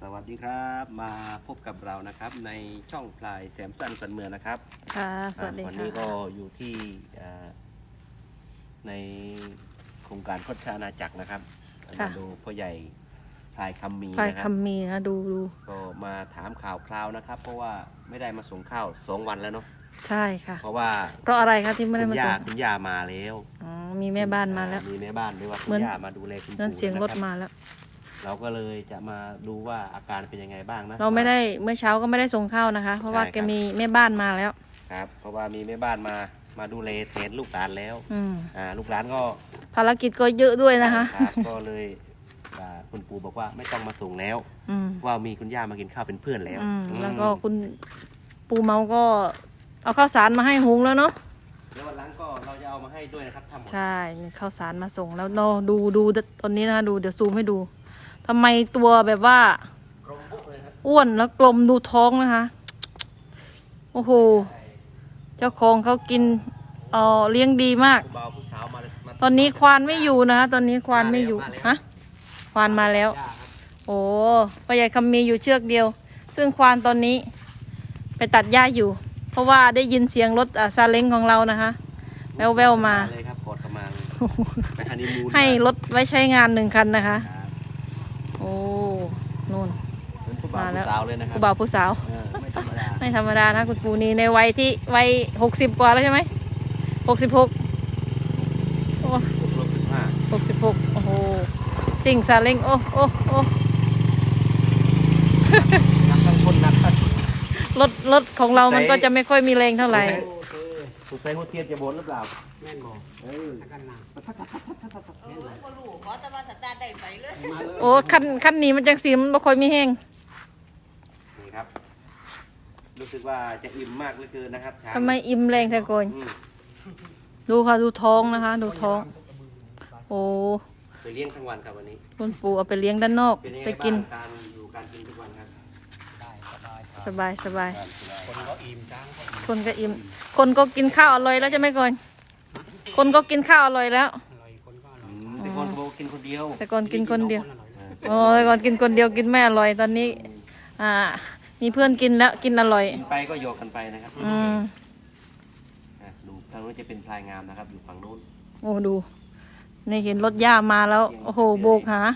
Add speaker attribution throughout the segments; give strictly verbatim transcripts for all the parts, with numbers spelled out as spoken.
Speaker 1: สวัสดีครับมาพบกับเรานะครับในช่องพลายแซมสันสันเมืองนะครับ
Speaker 2: ค่ะสวัสดี
Speaker 1: วัน
Speaker 2: ค่ะ
Speaker 1: นี้ก็อยู่ที่ในโครงการโคชานาจักรนะครับมาดูพ่อใหญ่พลายคำมี
Speaker 2: พลาย
Speaker 1: นะครับ
Speaker 2: คำมีนะดูดู
Speaker 1: ก็มาถามข่าวคราวนะครับ เพราะว่าไม่ได้มาส่งข้าวสองวันแล้วเนาะ
Speaker 2: ใช่ค่ะ
Speaker 1: เพราะว่า
Speaker 2: เพราะอะไรคะที่ไม่ได้
Speaker 1: คุ
Speaker 2: มา
Speaker 1: ณ
Speaker 2: ส่
Speaker 1: ย่าง คุณย่ามาแล้ว
Speaker 2: อ๋อมีแม่บ้านมาแล้ว
Speaker 1: มีแม่บ้านด้วยว่าคุ
Speaker 2: เหมื
Speaker 1: ณ
Speaker 2: อน
Speaker 1: ย่ามาดูแลคุณ
Speaker 2: นั่น
Speaker 1: ปู่
Speaker 2: เสียงรถ
Speaker 1: นะครับ
Speaker 2: มาแล้ว
Speaker 1: เราก็เลยจะมาดูว่าอาการเป็นยังไงบ้างนะ
Speaker 2: เราไม่ได้เมื่อเช้าก็ไม่ได้ส่งข้าวนะคะ เพราะว่า
Speaker 1: ใช่
Speaker 2: แก
Speaker 1: ครับ
Speaker 2: มีแม่บ้านมาแล้ว
Speaker 1: ครับเพราะว่ามีแม่บ้านมามาดูแลแทนลูกหลานแล้ว
Speaker 2: อืม
Speaker 1: อ่าลูกหลานก็
Speaker 2: ภารกิจก็เยอะด้วยนะคะ
Speaker 1: ครับก็เลยอ่าคุณปู่บอกว่าไม่ต้องมาส่งแล้ว
Speaker 2: อืม
Speaker 1: ว่ามีคุณย่ามากินข้าวเป็นเพื่อนแล้ว
Speaker 2: อืม
Speaker 1: อืม
Speaker 2: แล้วก็คุณปูเมาก็เอาข้าวสารมาให้หุงแล้วเนาะ
Speaker 1: เดี๋ยววันหลังก็เราจะเอามาให้ด้วยนะครับทำหมด
Speaker 2: ใช่มีข้าวสารมาส่งแล้วเราดูดูตอนนี้นะคะดูเดี๋ยวซูมให้ดูทำไมตัวแบบว่า
Speaker 1: กรงปุ๊เลยครับ
Speaker 2: อ้วนแล้วกลมดูท้องนะคะ โอ้โห เจ้าของเขากินเออเลี้ยงดีมาก
Speaker 1: คุณบ่าวผู้สาวมามา
Speaker 2: ตอนนี้ควานไม่อยู่นะคะ ตอนนี้ควานไม่อยู่ ฮะ ควานมาแล้ว
Speaker 1: ย่าครับ
Speaker 2: โอ้พ่อใหญ่คำมีอยู่เชือกเดียว ซึ่งควานตอนนี้ ไปตัดหญ้าอยู่ เพราะว่าได้ยินเสียงรถอ่าซาเล้งของเรานะคะ แววแววๆมา
Speaker 1: เลยครับกดกันมาเลยไปฮันนีมูน
Speaker 2: ให้รถไว้ใช้งานหนึ่งคันนะคะ
Speaker 1: ครับ
Speaker 2: โอ้นู่น
Speaker 1: เป็นผู้บ่าว
Speaker 2: มาแล้ว
Speaker 1: ผู้สาวเลยนะครั
Speaker 2: ผู้บ่าวผู้สาว
Speaker 1: เออไม่ธรรมดา
Speaker 2: ไม่ธรรมดานะคุณปูนี่ในวัยที่วัยหกสิบกว่าแล้วใช่ไหมหกสิบหกโอ้
Speaker 1: ครบสิบห้า
Speaker 2: หกสิบหกโอ้โหสิ่งซาเล้งโอ้โอ้โอ้
Speaker 1: นักทั้งคนนักทั้ง
Speaker 2: รถรถของเรามันก็จะไม่ค่อยมีแรงเท่าไหร่
Speaker 1: สุดท้ายหัวเทียนจะบนหรือเปล่า
Speaker 3: แม่นบอก
Speaker 1: เออ
Speaker 3: กันนะ
Speaker 4: เออบ่รู้ขอแต่ว่าสตาร์ทได้ไปเลย
Speaker 3: มาเลย
Speaker 2: โอ้คันคันนี้มันจังสีมันไม่ค่อยมีแห้ง
Speaker 1: นี่ครับ รู้สึกว่าจะอิ่มมากเหลือเกินนะครับช้าง
Speaker 2: ทำไมอิ่มแรงแท้โกน
Speaker 1: อืม
Speaker 2: ดูค่ะดูท้องนะคะ ดูท้อง โอ้
Speaker 1: ไปเลี้ยงทั้งวันครับวันนี้
Speaker 2: คุณปู่เอาไปเลี้ยงด้านนอก
Speaker 1: เป็นยังไง
Speaker 2: ไป
Speaker 1: บ้า
Speaker 2: กิน
Speaker 1: งการอยู่การกินทุกวันครับ
Speaker 3: ได้สบายครับ
Speaker 2: สบายสบาย
Speaker 1: การสบาย
Speaker 3: คนก็อิ่มจ้างก็อิ่ม
Speaker 2: คนก็อิ่ม คนก็กินข้าวอร่อยแล้วใช่ไหมก่อนคนก็กินข้าวอร่อยแล้ว
Speaker 3: อร่อยคนก็อร่
Speaker 1: อื
Speaker 3: อย
Speaker 1: มแต่คนโบกินคนเดียว
Speaker 2: แต่ก่อนกินคนเดียว
Speaker 3: อร่อย
Speaker 2: โอ้ยก่อนกินคนเดียวกินไม่อร่อยตอนนี้ อ่า มีเพื่อนกินแล้วกินอร่อย
Speaker 1: กินไปก็โยกกันไปนะครับ
Speaker 2: อืม
Speaker 1: อ่ะดูทางนู้นจะเป็นพลายงามนะครับ อยู่ฝั่งนู้น
Speaker 2: โอ้ดูนี่เห็นรถย่ามาแล้ว โอ้โหโบกหา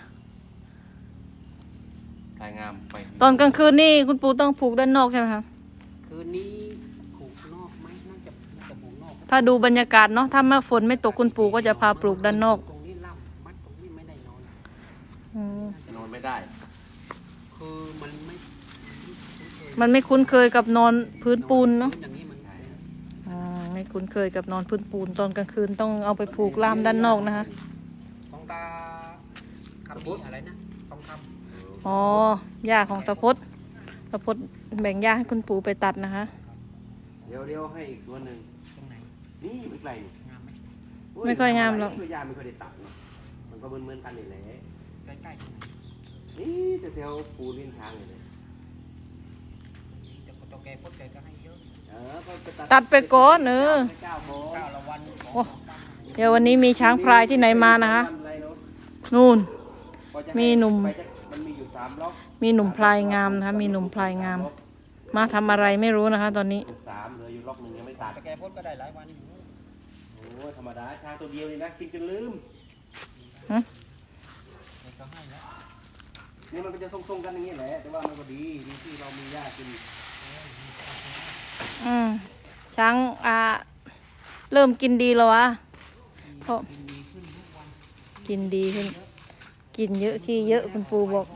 Speaker 1: พลายงามไป
Speaker 2: ตอนกลางคืนนี่คุณปู่ต้องผูกด้านนอกใช่ไหมคะ
Speaker 3: คืนนี้ผูกนอกไหมน่าจะน่าจะผูกนอก
Speaker 2: ถ้าดูบรรยากาศเนาะถ้าเมื่อฝนไม่ตกคุณปู่ก็จะพาปลูกด้านนอก
Speaker 3: ตรงนี้ล่ำมัดตรงนี้ไม่ได้นอน
Speaker 2: อืม
Speaker 1: นอนไม่ได้
Speaker 3: คือมันไม่
Speaker 2: มันไม่คุ้นเคยกับนอนพื้นปูนเนาะ
Speaker 3: อย่างนี้มัน
Speaker 2: อืมไม่คุ้นเคยกับนอนพื้นปูนตอนกลางคืนต้องเอาไปผูกล่ามด้านนอกนะคะ
Speaker 3: ของตาคำนี้อะไรนะทองค
Speaker 2: อ๋อหญ้าของตะพดตะพดแบ่งหญ้าให้คุณปู่ไปตัดนะคะ
Speaker 1: เดี๋ยวเดี๋ยวให้อีกตัวหนึ่ง
Speaker 3: ำตรงไหน
Speaker 1: นี่ไม่ไกลนี่
Speaker 3: งามไหม
Speaker 1: โอ้
Speaker 2: ไม่ค่อยงามหรอก
Speaker 1: ช่วยยาไม่ค่อยได้ตัดเนอะมันก็เหมือนๆกันนี่แหละ
Speaker 3: ใกล้ๆตรงไหน
Speaker 1: นี่จะแถวปูลิ้นทางเลยเนี่ย
Speaker 3: แต่คนตัวแกพดแกก็ให้เยอะ
Speaker 1: เออก็ไป
Speaker 2: ตัดไปก่อนเออ
Speaker 1: ไปเก้าโมง
Speaker 3: เก้าละวันสอง
Speaker 2: โอ้เดี๋ยววันนี้มีช้างพลายที่ไหนมานะคะ นู่น มีหนุ่ม
Speaker 1: ไปจะมันมีอยู่สามล็อก
Speaker 2: มีหนุ่มพลายงามนะคะ มีหนุ่มพลายงาม มาทำอะไรไม่รู้นะคะ ตอนนี้
Speaker 1: เป็นสามเหลืออยู่ล็อกหนึ่งยังไม่ตัด
Speaker 3: แต่แกพดก็ได้หลายวันอยู่
Speaker 1: โอ้ยธรรมดาช้างตัวเดียวนี่นะกินจนลืม
Speaker 3: แกก็ให้แล้ว
Speaker 1: นี่มันก็จะทรงๆกันอย่างนี้แหละแต่ว่ามันก็ดีดีที่เรามีหญ้ากิน
Speaker 2: อืมช้างอ่าเริ่มกินดีแล้ววะเพราะกินดีขึ้น กินเยอะขี้เยอะคุณปู่บอก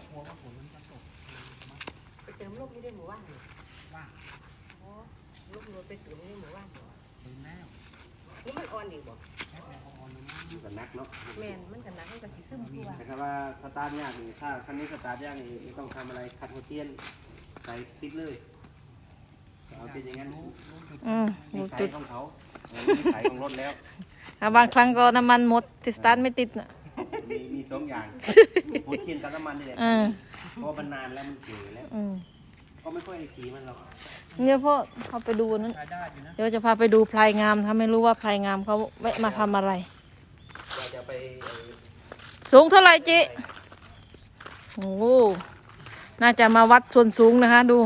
Speaker 4: ไปเติมลูกนี่ได้หมู่บ้านเหรออ๋อลูกรถไปเติมนี่หมู่บ้านเหรอ
Speaker 3: ถึงแล้ว
Speaker 4: นี่มันอ่อนอีกบ่
Speaker 1: มันก็นักเนาะ
Speaker 4: แม่นมันก็หนักมันก็สิซึมคือว่า
Speaker 1: แต่ถ้าว่าสตาร์ทยากนี่ถ้าคันนี้สตาร์ทยากนี่ไม่ต้องทำอะไรคัดหัวเทียนใส่ติดเลยเอาเป็นอย่างนั้น
Speaker 2: อืม
Speaker 1: นิ
Speaker 2: ดู
Speaker 1: สั
Speaker 2: จุ
Speaker 1: ย
Speaker 2: ด
Speaker 1: ของเขาเออนิสัยของรถแล้ว
Speaker 2: อ่ะบางครั้งก็น้ำมันหมดที่สตาร์ทไม่ติดน่ะ
Speaker 1: มีมีสองอย่างหัวเทียนกับน้ำมันนี่แหละ
Speaker 2: เออ
Speaker 1: เพราะมันนานแล้วมันเก๋แล้ว
Speaker 2: อืม
Speaker 1: ก็ไม่ค่อยได้ขี่มันหรอก
Speaker 2: เนี่ยพ่อเขาไปดูนั้น
Speaker 3: รายได้อยู่นะ
Speaker 2: เดี๋ยวจะพาไปดูพลายงามถ้าไม่รู้ว่าพลายงามเขาแวะมาทำอะไร
Speaker 1: เราจะไปเอ่อ
Speaker 2: สูงเท่าไหร่จิโอ้โหน่าจะมาวัดส่วนสูงนะคะ ดู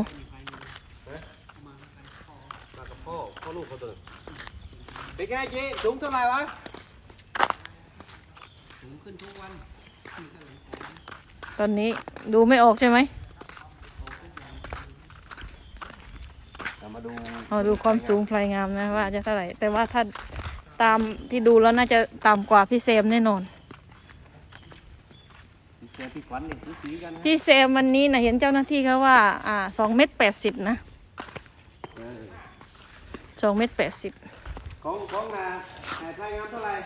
Speaker 1: มากับพ่อพ่อลูกเขาตัวเป็นไงเจ๊สูงเท่าไหร่วะ
Speaker 3: สูงขึ้นทุกวันนี่ก็เลยของ
Speaker 2: ตอนนี้ดูไม่ออกใช่ไหม
Speaker 1: เรามาดู
Speaker 2: เอาดูความสูงพลายงามนะว่าจะเท่าไหร่ แต่ว่าถ้าตามที่ดูแล้วน่าจะต่ำกว่าพี่เซมแน่นอน
Speaker 1: เจอพี่ขวัญนี่คือสีกันนะ
Speaker 2: พี่เซมวันนี้นะเห็นเจ้าหน้าที่เขาว่า อ่าสองเมตรแปดสิบนะ
Speaker 1: เออ
Speaker 2: สองเมตรแปดสิบ
Speaker 1: ของของนาไหนพลายงามเท่าไหร่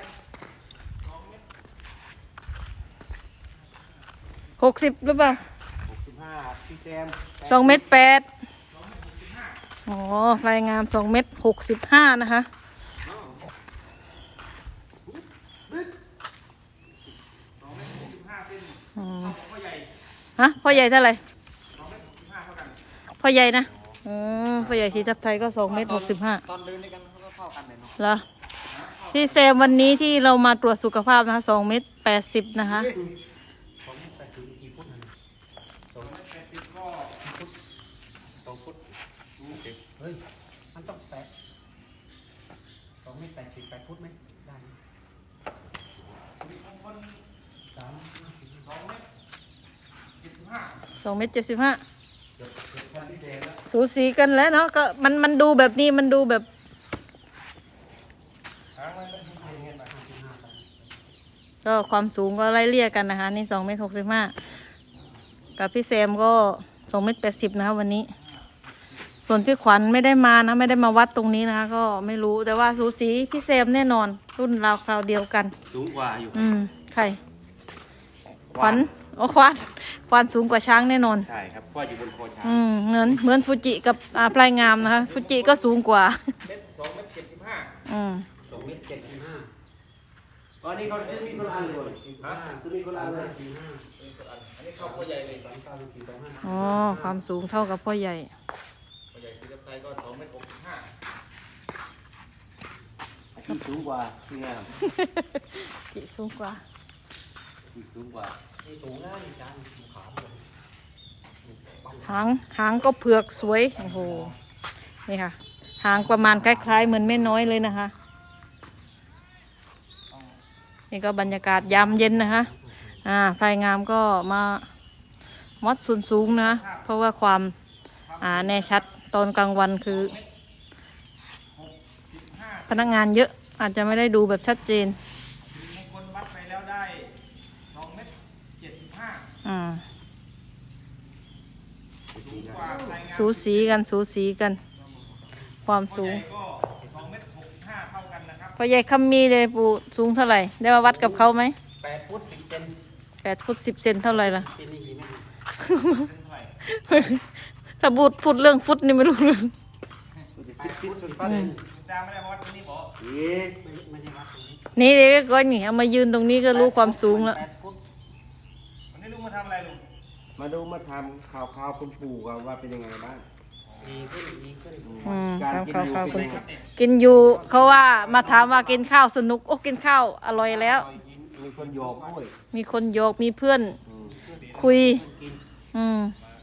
Speaker 2: หกสิบหรือเปล่า
Speaker 1: หกสิบห้าพี่แจม
Speaker 2: สองเมตรแปดอ๋อพลายงามสองเมตรหกสิบห้านะคะอืมฮะพ่อใหญ่เท่าไหร่พ่อใหญ่นะอืมพ่อใหญ่สีทับไทยก็สองเมตรหกสิบห้า
Speaker 3: ตอนเดินด้วยกันเขาก็เข้ากันเลยเนาะ
Speaker 2: เหรอพี่เซมวันนี้ที่เรามาตรวจสุขภาพนะคะสองเมตรแปดสิบนะคะ
Speaker 3: สองเมตรแปดสิบกี่ฟุตนะ
Speaker 1: สองเมตรแปดสิบก็สองฟุต
Speaker 3: เฮ้ยมันต้องแปดสองเมตรแปดสิบแปดฟุตไหมได้ไหมสาม
Speaker 2: สองเมตรเจ็ดสิบห้าสูสีกันแล้วเนาะก็มันมันดูแบบนี้มันดูแบบ ก็ความสูงก็ไล่เลี่ยกันนะคะนี่สองเมตรหกสิบห้ากับพี่แซมก็สองเมตรแปดสิบนะคะวันนี้ ส่วนพี่ขวัญไม่ได้มานะไม่ได้มาวัดตรงนี้นะคะ ก็ไม่รู้แต่ว่าสูสีพี่แซมแน่นอน รุ่นราวคราวเดียวกัน
Speaker 1: สูงกว่าอยู่
Speaker 2: อืมใครขวัญโอ้ขวัญขวัญสูงกว่าช้างแน่นอน
Speaker 1: ใช่ครับเพราะว่าอยู่บนคอช้าง
Speaker 2: อืมเหมือนเหมือนฟูจิกับอาพลายงามนะคะฟูจิก็สูงกว่า
Speaker 3: เมตรสองเมตรเจ็ดสิบห้า
Speaker 2: อืม
Speaker 3: สองเมตรเจ็ดสิบห้า
Speaker 1: ตอนนี้เขาจะมีคนละอันเลยฮะจะมีคนละอันเลย
Speaker 3: สี่ห้าอันนี้เข้าพ่อใหญ่เลยสามเก้าสี่สองห้า
Speaker 2: อ๋อความสูงเท่ากับพ่อใหญ่
Speaker 3: พ่อใหญ่สีกับไทยก็สองเมตรหกสิบห้า
Speaker 1: ที่สูงกว่าที่งาม
Speaker 2: จิสูงกว่า
Speaker 1: ที่สูงกว่า
Speaker 3: นี่สูงนะนี่จานขาวเลย
Speaker 2: หางหางก็เผือกสวยโอ้โหนี่ค่ะ หางประมาณคล้ายๆเหมือนแม่น้อยเลยนะคะ นี่ก็บรรยากาศยามเย็นนะคะ อ่าพลายงามก็มาวัดส่วนสูงนะ เพราะว่าความอ่าแน่ชัดตอนกลางวันคือ พนักงานเยอะอาจจะไม่ได้ดูแบบชัดเจน
Speaker 5: มงคลวัดไปแล้วได้สองเมตรเจ็ดสิบห้า
Speaker 2: อ่า
Speaker 5: สูงกว่าใครงาน
Speaker 2: สูสีกันสูสีกัน ความ
Speaker 5: พ่อ
Speaker 2: สู
Speaker 5: ให
Speaker 2: ง
Speaker 5: ญ่ก็สองเมตรหกสิบห้าเท่ากันนะครับ
Speaker 2: พ่อใหญ่คำมีเลยปู่สูงเท่าไหร่ ได้มาวัดกับเขาไหม
Speaker 3: แปดฟุตสิบเซน
Speaker 2: แปดฟุตสิบเซนเท่าไหร่ล่ะ
Speaker 3: เซนนี่กี่เมตร
Speaker 2: ถ้าพูดพูดเรื่องฟุตนี่ไม่รู้เรื่อง
Speaker 3: แปดฟุตสิบ
Speaker 5: ตา
Speaker 3: เซน
Speaker 5: จาไม่ได้มาวัดตรงนี้บอก
Speaker 1: เอ๊ะ
Speaker 3: ไม่ไม่ใช่วัดตรงนี้
Speaker 2: นี่เด็กก็นี่เอามายืนตรงนี้ก็รู้ความสูงแล้ว
Speaker 3: แปดฟุต
Speaker 5: วันนี้ลุงมาทำอะไรลุง
Speaker 1: มาดูมาทำข่าวข่าวคุณปู่กันว่าเป็นยังไงบ้าง
Speaker 3: ดีขึ้นดีขึ้น
Speaker 2: อืม
Speaker 1: การ
Speaker 2: ครับ
Speaker 1: กิน
Speaker 2: ครับ
Speaker 1: อยู่
Speaker 2: ครับ
Speaker 1: เป็นยังไง
Speaker 2: กินอยู่เขาว่ามาถามว่ากินข้าวสนุกโอ้กินข้าวอร่อยแล้ว
Speaker 1: มีคนโยกด้วย
Speaker 2: มีคนโยกมีเพื่อน
Speaker 1: อืม
Speaker 2: คุย
Speaker 3: กิน
Speaker 2: อืม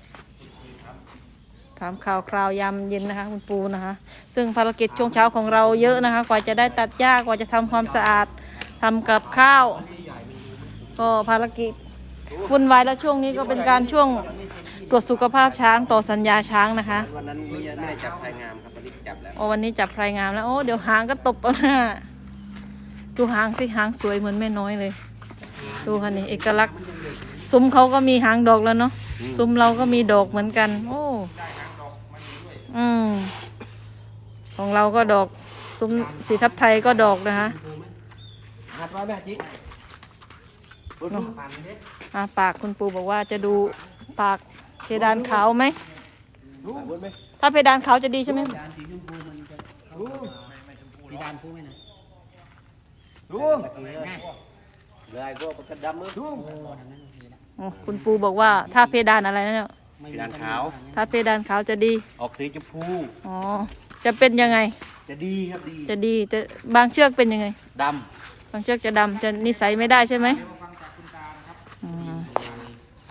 Speaker 2: ถามข่าวคราวยามเย็นนะคะ คุณปูนะคะ ซึ่งภารกิจช่วงเช้าของเราเยอะนะคะ กว่าจะได้ตัดหญ้ากว่าจะทำความสะอาดทำกับข้าว ก็ภารกิจวุ่นวายแล้วช่วงนี้ก็เป็นการช่วงตรวจสุขภาพช้างต่อสัญญาช้างนะคะ
Speaker 1: วันนั้นไม่ไม่ได้จับไทยงามครับวันนี้จับแล้ว
Speaker 2: โอ้วันนี้จับพลายงามแล้วโอ้เดี๋ยวหางก็ตบเอาหน้าดูหางสิหางสวยเหมือนแม่น้อยเลย ดูค่ะนี่เอกลักษณ์ซุ้มเขาก็มีหางดอกแล้วเนาะซุ้มเราก็มีดอกเหมือนกัน โอ้อืมของเราก็ดอกซุ้มสีทับไทยก็ดอกนะคะ
Speaker 1: หัดไว้ไหมจิ๊ก
Speaker 3: ผ่านเด็ด
Speaker 2: อ่าปากคุณปูบอกว่าจะดูปากเพดานขาวไหม
Speaker 1: รู้ไหม
Speaker 2: ถ้าเพดานขาวจะดีใช่ไหม
Speaker 3: จานสีชมพูมันจะเข้าสีดานพูดไหมนะ
Speaker 1: รู้
Speaker 3: ง่าย
Speaker 1: เลยก็ประกันดำมือรู้
Speaker 3: โอ้ดังนั้นโอเคละ
Speaker 2: อ๋อคุณปูบอกว่าถ้าเพดานอะไรนะเนี่ย
Speaker 3: ไม่
Speaker 1: สีดานขาว
Speaker 2: ถ้าเพดานขาวจะดี
Speaker 1: ออกสีชมพู
Speaker 2: อ๋อจะเป็นยังไง
Speaker 1: จะดีครับดี
Speaker 2: จะดีแต่บางเชือกเป็นยังไง
Speaker 1: ด
Speaker 2: บางเชือกจะดำจะนิสัยไม่ได้ใช่ไหม
Speaker 5: เดี๋ยวมาฟังจากคุณตานะครับ
Speaker 2: อืม
Speaker 5: เข้า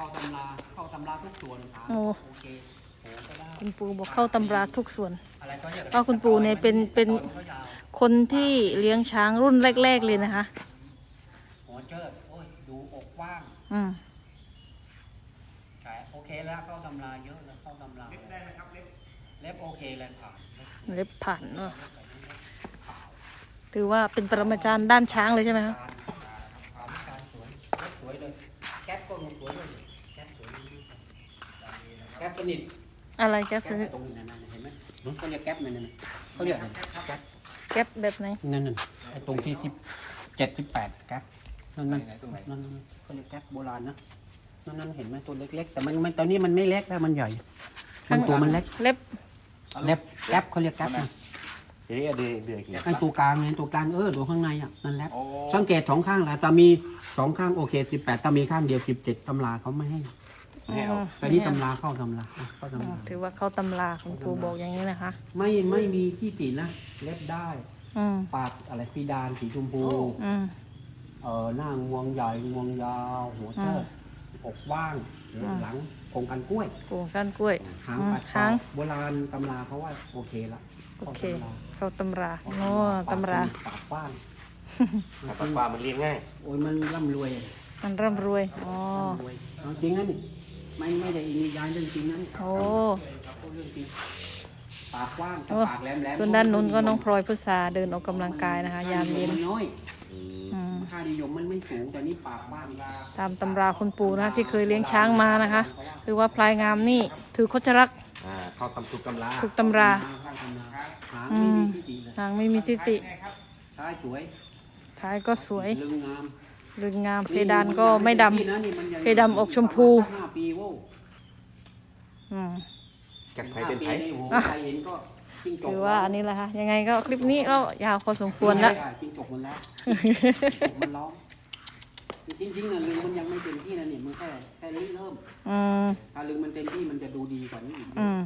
Speaker 3: เข้าตำราเข้าตำราทุกส่วนถาม
Speaker 2: โอ้
Speaker 3: โอเคโหก็ได้
Speaker 2: คุณปู่บอกเข้าตำราทุกส่วน
Speaker 3: อะไรก็เรียก
Speaker 2: ก็คุณปู่เนี่ยเป็นเป็น
Speaker 3: ตอก็ยาว
Speaker 2: คนที่เลี้ยงช้างรุ่นแรก ๆเลยนะคะ
Speaker 3: หัวเจิดโอ้ยดูอกว่าง
Speaker 2: อืม
Speaker 3: ใช่โอเคแล้วเข้าตำราเยอะแล้วเข้าตำรา
Speaker 5: เล็บได้ไหมครับเล็บ
Speaker 3: เล็บโอเคเลยผ่าน
Speaker 2: เล็บผ่านเนอะถือว่าเป็นปรมาจารย์ด้านช้างเลยใช่ไหมคะ
Speaker 3: การการการสวยสวยเลยแก๊ปก็สวยเลยแก๊ปสวยแก๊ปสนิท
Speaker 2: อะไรแก๊ป
Speaker 3: แก๊ปตรงนี้นั่นๆเห็นไหมเขาเรียกแก๊ปนั่นๆเขาเรียกอะไรแก๊ป
Speaker 2: แก๊ปแบบไหน
Speaker 3: นั่นนั่นไอ้ตรงที่ที่เจ็ดสิบแปดแก๊ปนั่นนั่นนั่นเขาเรียกแก๊ปโบราณนะนั่นนั่นเห็นไหมตัวเล็กๆแต่มันมันตอนนี้มันไม่เล็กแล้วมันใหญ่มันตัวมันเล็ก
Speaker 2: เล็บ
Speaker 3: เล็บแก๊ปเขาเรียกแก๊ปนะ
Speaker 1: ทีนี้เดือยเดือยกี่
Speaker 3: ไอ้ตัวกลางเนี่ยตัวกลางเออตัวข้างในอ่ะนั่นแหละ
Speaker 5: โอ้
Speaker 3: สังเกตสองข้างแหละแต่มีสองข้างโอเคสิบแปดแต่มีข้างเดียวสิบเจ็ดตำราเขาไม่ให้
Speaker 1: ให้เอา
Speaker 3: แต่นี่ตำราเข้าตำราอ่ะเข้า
Speaker 2: อื
Speaker 3: ตำ
Speaker 2: ม
Speaker 3: รา
Speaker 2: ถือว่าเข้าตำราคุณปู่บอกอย่างนี้นะคะ
Speaker 3: ไม่ไม่มีที่ตินะเล็บได้
Speaker 2: อืม
Speaker 3: ปากอะไรพีดานสีชมพู
Speaker 2: อืม
Speaker 3: เออหน้างวงใหญ่งวงยาวหัวเชิดอกว่างหลังโครงกันกล้วย
Speaker 2: ปู่ก้านกล้วย
Speaker 3: หาง
Speaker 2: อืม
Speaker 3: ปัด
Speaker 2: หาง
Speaker 3: โบราณตำราเขาว่าโอเคละ
Speaker 2: โอเค เข้าตำราโอ้ตำรา
Speaker 3: ปากกว้าง
Speaker 1: ปากปลามันเลี้ยงง่าย
Speaker 3: โอ้ยมันร่ำรวย
Speaker 2: มันร่ำรวยอ๋อ
Speaker 3: ร่ำรวยเอาจริงนะนี่ไม่ไม่ได้อิงยานเรื่องจริงนะนี่
Speaker 2: โอ้
Speaker 3: พูดเรื่องจริงปากกว้างแต่
Speaker 2: โอ้
Speaker 3: ปากแหลมแหลม
Speaker 2: ส่วนด้านนู้นก็น้องพลอยพุทราเดินออกกำลังกายนะคะ ยามเย็น
Speaker 3: มันน้อย
Speaker 2: อืม
Speaker 3: ค่านิยมมันไม่สูงแต่นี่ปากกว้าง
Speaker 2: ตามตำราคุณปู่นะที่เคยเลี้ยงช้างมานะคะ คือว่าพลายงามนี่ถือโคชรัก
Speaker 1: อ่าเข้าตำตุกตำรา
Speaker 2: ถูกตำรา
Speaker 3: หางไม่มีที่ดีเลย
Speaker 2: นางไม่มีทิติ
Speaker 5: ไงครับ
Speaker 3: ท้ายสวย
Speaker 2: ท้ายก็สวย
Speaker 3: ลึงงาม
Speaker 2: ลึงงามเพดานก็ไม่ดำ
Speaker 3: นี่นะนี่มันยัง
Speaker 2: เพดานออกชมพู
Speaker 3: ห้าปีโว้
Speaker 2: อืม
Speaker 1: จากไผ่เป็นไผ่
Speaker 3: ห้าปีโอ้โหใครเห็นก็จิ้งจก
Speaker 2: ถือว่าอันนี้แหละค่ะยังไงก็คลิปนี้ก็ยาวพอสมควรละ
Speaker 3: จิ้งจกมันแล้วจิ้งจกมันร้องจริงๆนะลึงมันยังไม่เต็มที่นะนี่มันแค่แค่เริ่ม
Speaker 2: อืม
Speaker 3: ถ้าลึงมันเต็มที่มันจะดูดีกว่านี้อีก
Speaker 2: อืม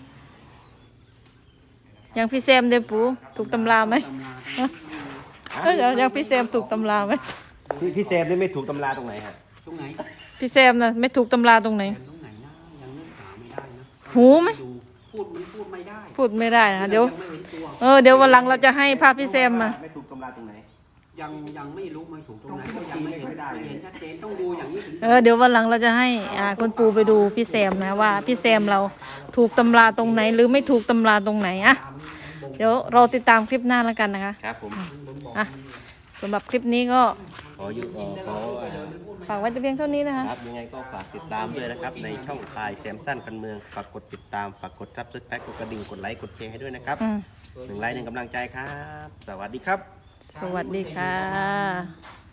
Speaker 2: ยังพี่แซมเดยวปูถูกตำราไหม
Speaker 3: ตำรา
Speaker 2: เอ้ยเดี๋ยวยังพี่แซมถูกตำราไหม
Speaker 1: พี่พี่แซมนี่ไม่ถูกตำราตรงไหนฮะ
Speaker 3: ตรงไหน
Speaker 2: พี่แซมนะไม่ถูกตำราตรงไหน
Speaker 3: ตรงไหนนะยังนึกหาไม่ได้นะ
Speaker 2: หูไหม
Speaker 3: ดูพูดมันพูดไม่ได้
Speaker 2: พูดไม่ได้นะคะเดี๋ยว
Speaker 3: งไม่เห็นตัว
Speaker 2: เออเดี๋ยววันหลังเราจะให้ภาพพี่แซมมา
Speaker 1: ไม่ถูกตำราตรงไหน
Speaker 3: ยังยังไม่รู้ไม่ถูกตรงไหนก็ยังไม่เห็นไม่เห็นชัดเจนต้องดูอย่างนี้ถึง
Speaker 2: เออเดี๋ยววันหลังเราจะให้อ่าคุณปูไปดูพี่แซมนะว่าพี่แซมเราถูกตำราตรงไหน หรือไม่ถูกตำราตรงไหนอะเดี๋ยวเราติดตามคลิปหน้าแล้วกันนะคะ
Speaker 1: ครับผม
Speaker 2: อ่ะสำหรับคลิปนี้ก็
Speaker 1: ขออยู่ขอ
Speaker 2: ฝากไว้แต่เพียงเท่านี้นะคะ
Speaker 1: ครับยังไงก็ฝากติดตามด้วยนะครับ ในช่องพายแซมสั้นกันเมืองฝากกดติดตามฝากกดซับสไครต์กดกระดิ่งกดไลค์กดแชร์ให้ด้วยนะครับ
Speaker 2: อืม
Speaker 1: หนึ่งไลค์หนึ่งกำลังใจครับ สวัสดีครับ
Speaker 2: สวัสดีค่ะ